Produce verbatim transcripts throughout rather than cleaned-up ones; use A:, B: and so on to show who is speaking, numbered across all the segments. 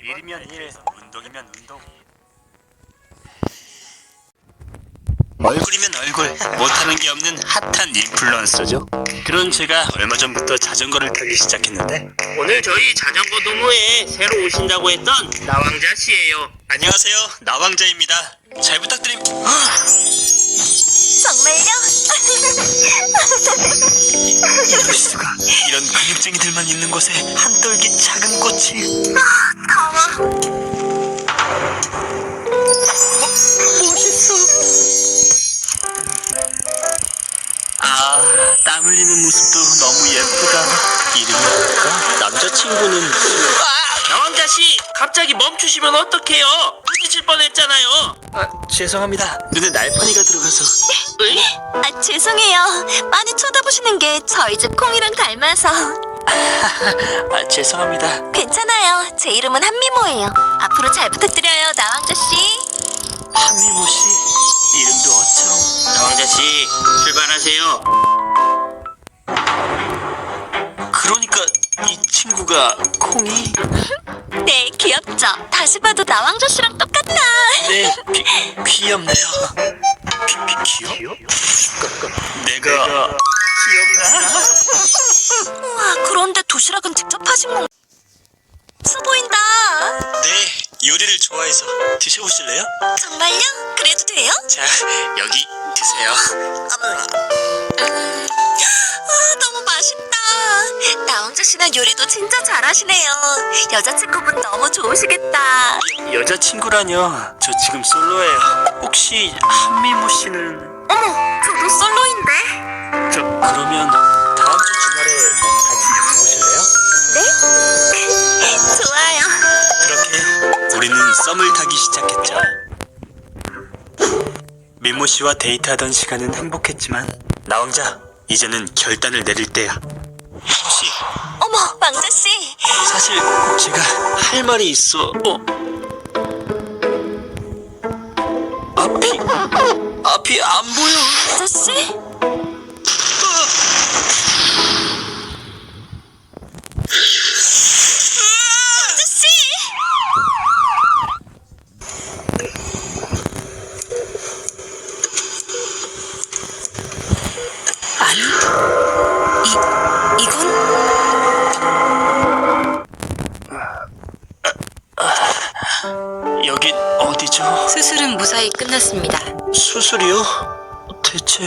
A: 일이면 일, 운동이면 운동.
B: 얼굴이면 얼굴, 못하는 게 없는 핫한 인플루언서죠. 그런 제가 얼마 전부터 자전거를 타기 시작했는데
C: 오늘 저희 자전거 동호회에 새로 오신다고 했던 나왕자 씨예요.
B: 안녕하세요, 나왕자입니다. 잘 부탁드립니다.
D: 정말요?
B: 이럴 수가. 이런 근육쟁이들만 있는 곳에 한떨기 작은 꽃이.
D: 더워.
B: 멋있어. 아, 땀 흘리는 모습도 너무 예쁘다. 이름이 뭘까? 남자친구는
C: 나왕자 씨, 갑자기 멈추시면 어떡해요? 부딪힐 뻔했잖아요.
B: 아, 죄송합니다. 눈에 날파리가 들어가서.
C: 으이?
D: 아, 죄송해요. 많이 쳐다보시는 게 저희 집 콩이랑 닮아서.
B: 아, 죄송합니다.
D: 괜찮아요. 제 이름은 한미모예요. 앞으로 잘 부탁드려요, 나왕자 씨.
B: 한미모 씨, 이름도 어쩜.
C: 나왕자 씨, 출발하세요.
B: 그러니까 이 친구가 콩이.
D: 네, 귀엽죠? 다시 봐도 나왕자 씨랑 똑같다.
B: 네, 귀, 귀엽네요. 귀, 귀, 귀여? 내가 귀엽나?
D: 우와, 그런데 도시락은 직접 하신 건가? 맛있어 보인다.
B: 네, 요리를 좋아해서 드셔보실래요?
D: 정말요? 그래도 돼요?
B: 자, 여기 드세요.
D: 음, 아, 너무 맛있다. 나왕자 씨는 요리도 진짜 잘하시네요. 여자친구분 너무 좋으시겠다.
B: 여자친구라뇨. 저 지금 솔로예요. 혹시 한미모 씨는?
D: 어머, 저도 솔로인데.
B: 저 그러면 다음 주 주말에 같이 영화 보실래요?
D: 네? 좋아요.
B: 그렇게 우리는 썸을 타기 시작했죠. 미모 씨와 데이트하던 시간은 행복했지만 나왕자, 이제는 결단을 내릴 때야. 혹시
D: 어머, 왕자 씨.
B: 사실 제가 할 말이 있어. 어? 앞이 앞이 안 보여.
D: 왕자 씨? 왕자 씨! 아니, 이 이건
B: 여긴 어디죠?
E: 수술은 무사히 끝났습니다.
B: 수술이요? 대체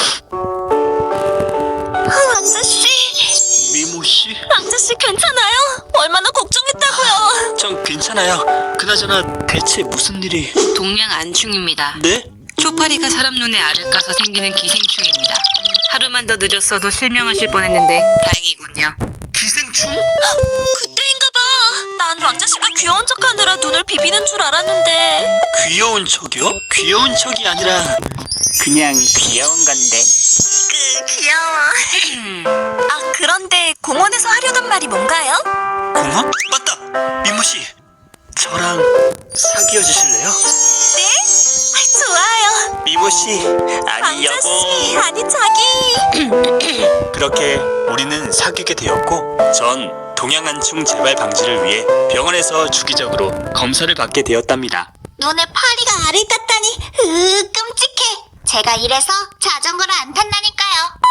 D: 아, 왕자 씨.
B: 미모 씨?
D: 왕자 씨 괜찮아요? 얼마나 걱정했다고요.
B: 전 괜찮아요. 그나저나 대체 무슨 일이?
E: 동양 안충입니다.
B: 네?
E: 초파리가 사람 눈에 알을 까서 생기는 기생충입니다. 하루만 더 늦었어도 실명하실 뻔했는데 다행이군요.
B: 기생충?
D: 그때인가봐. 난 왕자 씨가 귀여운 척하느라 눈을 비비는 줄 알았는데.
B: 귀여운 척이요? 귀여운 척이 아니라 그냥 귀여운 건데.
D: 그 귀여워. 아, 그런데 공원에서 하려던 말이 뭔가요?
B: 공원? 맞다! 미모 씨, 저랑 사귀어 주실래요?
D: 네? 아, 좋아요.
B: 미모 씨, 아니
D: 왕자 씨,
B: 여보.
D: 아니 자기.
B: 그렇게 우리는 사귀게 되었고, 전 동양안충 재발 방지를 위해 병원에서 주기적으로 검사를 받게 되었답니다.
D: 눈에 파리가 알을 땄다니. 으, 끔찍해. 제가 이래서 자전거를 안 탄다니까요.